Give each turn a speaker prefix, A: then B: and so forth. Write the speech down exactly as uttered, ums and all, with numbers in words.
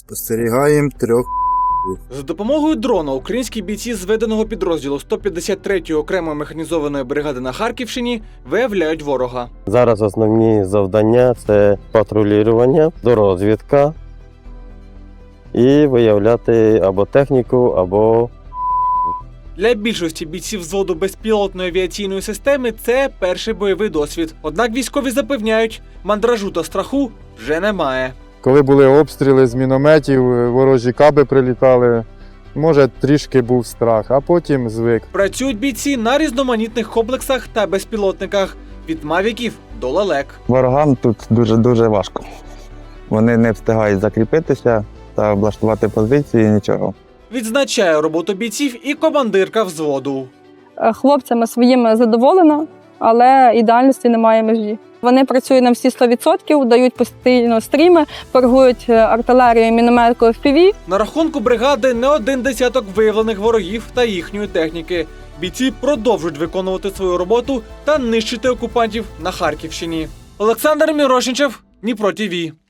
A: Спостерігаємо трьох.
B: За допомогою дрона українські бійці зведеного підрозділу сто п'ятдесят третьої окремої механізованої бригади на Харківщині виявляють ворога.
C: Зараз основні завдання – це патрулювання, дорозвідка і виявляти або техніку, або...
B: Для більшості бійців взводу безпілотної авіаційної системи це перший бойовий досвід. Однак військові запевняють, мандражу та страху вже немає.
D: Коли були обстріли з мінометів, ворожі каби прилітали, може трішки був страх, а потім звик.
B: Працюють бійці на різноманітних комплексах та безпілотниках – від мавіків до лелек.
E: Ворогам тут дуже-дуже важко. Вони не встигають закріпитися та облаштувати позиції, нічого.
B: Відзначає роботу бійців і командирка взводу.
F: Хлопцями своїми задоволена, але ідеальності немає межі. Вони працюють на всі сто відсотків, дають постійно стріми, торгують артилерією, мінометкою еф пі ві.
B: На рахунку бригади не один десяток виявлених ворогів та їхньої техніки. Бійці продовжують виконувати свою роботу та нищити окупантів на Харківщині. Олександр Мірошничев, Дніпро ТІВІ.